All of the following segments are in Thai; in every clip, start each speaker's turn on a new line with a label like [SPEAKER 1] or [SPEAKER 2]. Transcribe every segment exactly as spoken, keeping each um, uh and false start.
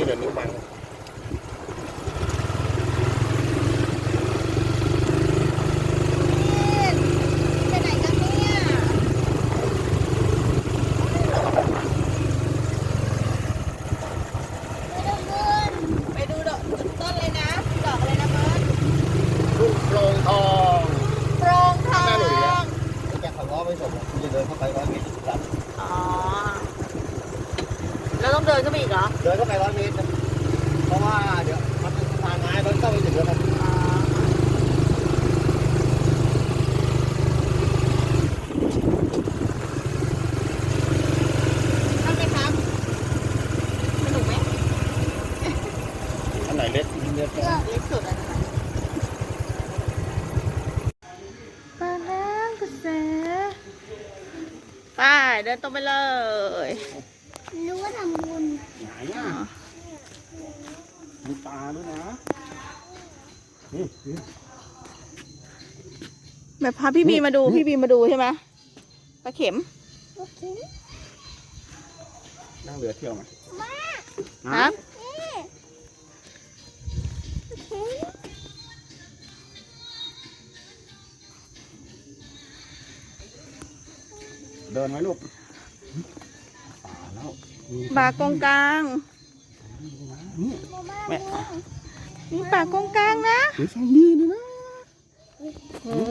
[SPEAKER 1] เดี๋ยวนิ้วบังโปร่งทองโปร่งทองจะขับล้อไปส่งคุณจะเดินเข้าไปร้อยเมตรครับ
[SPEAKER 2] อ๋อแล้วต้องเดินเข้าไปอีกเหรอ
[SPEAKER 1] เดินเข้าไปร้อยเมตรเพราะว่าเดี๋ยวมันเป็นสะพานไม้รถเข้าไปถึงแล้วครับ
[SPEAKER 2] ทำไหมครับสนุกไหม
[SPEAKER 1] อันไหนเล็กเล็ก
[SPEAKER 2] เล็กสุดอะปลาน้ำกระแสไปเดินตรงไปเลย
[SPEAKER 3] รู้ว่าทำบุญ
[SPEAKER 1] ไหนอ่ะมีปลาด้วยนะ
[SPEAKER 2] แบบพาพี่บีมาดูพี่บีมาดูใช่ไหมปลาเข็ม
[SPEAKER 1] นั่งเรือเที่ยวไหม
[SPEAKER 2] ครับ
[SPEAKER 1] เดินไหมลูกป่าแล้ว
[SPEAKER 2] ปลากงกลาง
[SPEAKER 1] นี่แม่
[SPEAKER 2] มีปลากงกลางนะ
[SPEAKER 1] หรือซองดีนะ
[SPEAKER 2] โอ้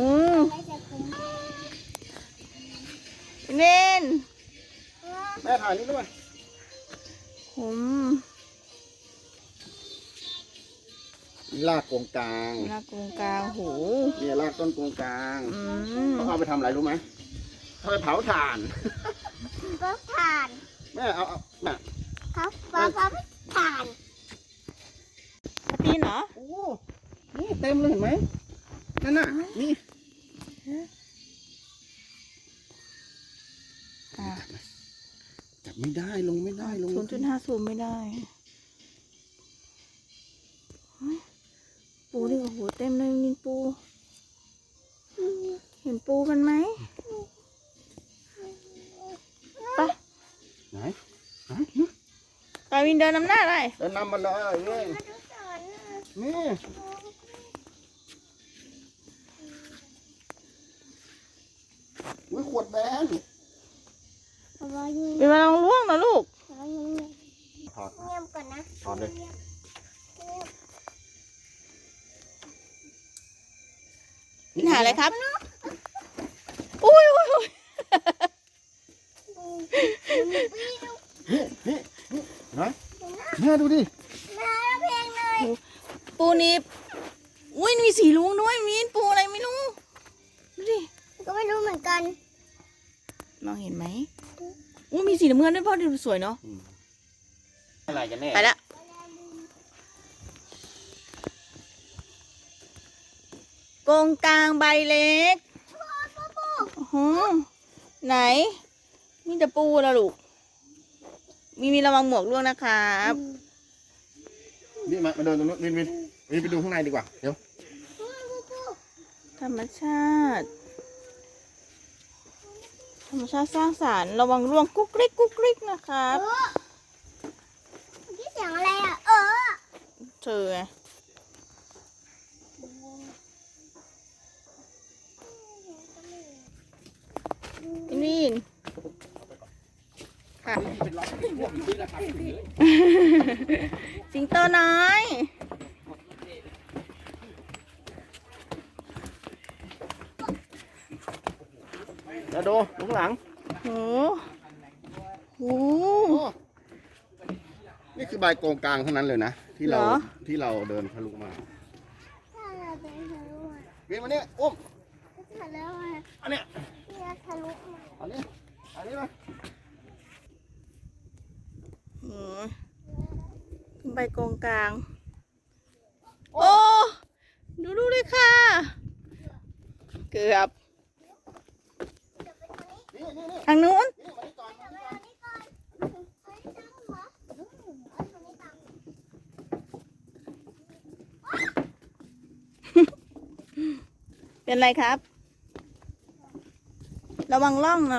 [SPEAKER 2] เน้น
[SPEAKER 1] แม่ถ่ายนี่ด้วย
[SPEAKER 2] ผม
[SPEAKER 1] ลากกงกลาง
[SPEAKER 2] ลากกงกลางโห
[SPEAKER 1] นี่ลากต้นกงกลางเขาเอาไปทำอะไรรู้ไหมเอาไปเผาถ่าน
[SPEAKER 3] เผาถ่าน
[SPEAKER 1] แม่เอาเอาแม่
[SPEAKER 3] เขาเผาถ่าน
[SPEAKER 2] ตีนเหรอ
[SPEAKER 1] โอ้นี่เต็มเลยเห็นไหมนั่นน่ะนี่จับไม่ได้ลงไม่ได้ลง
[SPEAKER 2] ศูนย์จุดห้าศูนย์ไม่ได้ปูนี่โอ้โหเต็มเลยนี่ปูเห็นปูกันไหมไป
[SPEAKER 1] ไหนไหน
[SPEAKER 2] ไปวินเดินนำหน้าได้
[SPEAKER 1] เดินนำมาเลยนี่นี่อุ้ยขวดแบน
[SPEAKER 2] เป็นมาลองล่วงนะลูก
[SPEAKER 1] ถอด
[SPEAKER 3] เงียบก่อนนะ
[SPEAKER 1] ถอดเลย
[SPEAKER 2] นี่หาอะไรครับอุ้ยอุ้ยอุ้ย
[SPEAKER 1] นี่นี่นี่นะแม่ดูดิ
[SPEAKER 2] ปูนี่อุ้ยมีสีลุงด้วยมีปูอะไรไม่รู้ดูดิ
[SPEAKER 3] ก็ไม่รู้เหมือนกัน
[SPEAKER 2] มองเห็นไหมอุ้ยมีสีน้ำเงินด้วยพ่อดูสวยเนาะ
[SPEAKER 1] อะไรกันแน่
[SPEAKER 2] ไปละกงกลางใบเล็กโอ้โหไหนมีแต่ปูละลูกมีมีระวังหมวกร่วงนะครับ
[SPEAKER 1] นี่มามาเดินตรงนู้นวินวินวินไปดูข้างในดีกว่าเดี๋ยว
[SPEAKER 2] ธรรมชาติธรรมชาติสร้างสรรค์ระวังร่วงกุ๊กกริ๊กกุ๊กกริ๊กนะครับ
[SPEAKER 3] นี่เสียงอะไรอ่ะเออ
[SPEAKER 2] เธอไงนี่ค่ะสิงโตน้อย
[SPEAKER 1] แล้วดูลุงหลัง
[SPEAKER 2] โอ้โห
[SPEAKER 1] นี่คือใบโกงกลางเท่านั้นเลยนะที่เราที่เราเดินทะลุมาเวียนมาเนี่ยอุ้มอันเนี้ย
[SPEAKER 3] ทะลุ
[SPEAKER 1] อันนี้อันนี้มา
[SPEAKER 2] ใบกงกลางโอ้ดูดูเลยค่ะเกือบทางนู้นเป็นไรครับระวังล่องนะ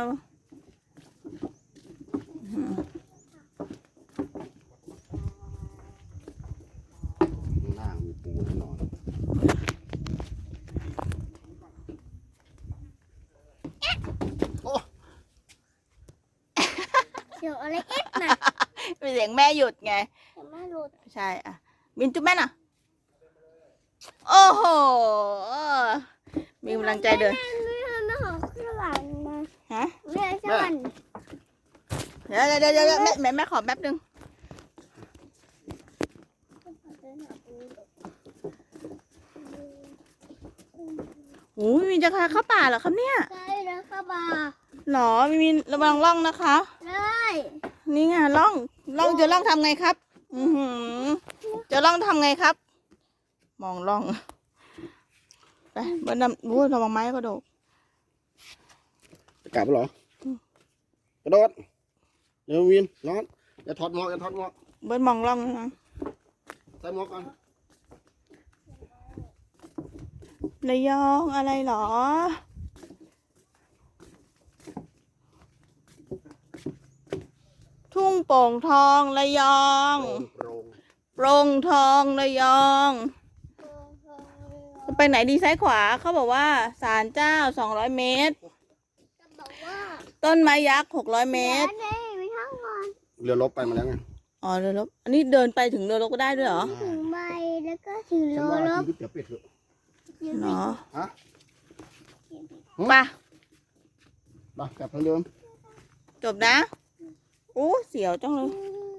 [SPEAKER 3] สียงอะไรเอ็ดน่ะ
[SPEAKER 2] เป็นเสียงแม่หยุดไง
[SPEAKER 3] แต่ไม่รู้
[SPEAKER 2] ใช่อ่ะบินจุ๊บแม่น่ะ โอ้โห มีกำลังใจเดิน
[SPEAKER 3] ไม่ไม่ไม่ของสวรรค์มา
[SPEAKER 2] ฮะ
[SPEAKER 3] ไม่ใช่สวรรค์
[SPEAKER 2] เดี๋ยวเดี๋ยวเดี๋ยวเดี๋ยวแม่แม่แม่ขอแป๊บนึงโอ้ยมีจะพาเข้าป่าเหรอครับเนี่ย
[SPEAKER 3] ใช่แล้วค่ะบา
[SPEAKER 2] หรอมีมีระวังล่องนะคะ
[SPEAKER 3] ได้
[SPEAKER 2] นี่ไงล่องล่องจะล่องทำไงครับ อือหือจะล่องทำไงครับ มองล่องไปบนน้ำอู้ระวังไม้ก็โดด
[SPEAKER 1] จะกลับเหรอ กระโดดเดี๋ยววินร้อนอย่าถอดหมวกอย่าถอดหมวก
[SPEAKER 2] เบิ้ลมองล่องนะ
[SPEAKER 1] ใส่หมวกก่อน
[SPEAKER 2] ระยองอะไรหรอ ทุ่งโป่งทองระยอง
[SPEAKER 1] โปร่ง
[SPEAKER 2] โปร่งทองระยองไปไหนดีซ้ายขวาเขาบอกว่าศาลเจ้าสองร้อยเมตร
[SPEAKER 3] จะบอกว่า
[SPEAKER 2] ต้นไม้ยักษ์หกร้อยเมตร
[SPEAKER 3] เดี๋ยวได้ไปทั้งวัน
[SPEAKER 1] เรือรบไปมาแล้วไง
[SPEAKER 2] อ๋อเรือรบอันนี้เดินไปถึงเรือรบก็ได้ด้วยเหรอ
[SPEAKER 3] ถึงใบแล้วก็ถึง
[SPEAKER 1] ฉั
[SPEAKER 3] โล
[SPEAKER 1] นว่า
[SPEAKER 3] ลบ
[SPEAKER 1] ชีวิตจะปิดเถอะ
[SPEAKER 2] เนาะ
[SPEAKER 1] ฮะ
[SPEAKER 2] ไป
[SPEAKER 1] ไปกลับทางเดิม
[SPEAKER 2] จบนะอู้เสียวจังเลย
[SPEAKER 3] อืม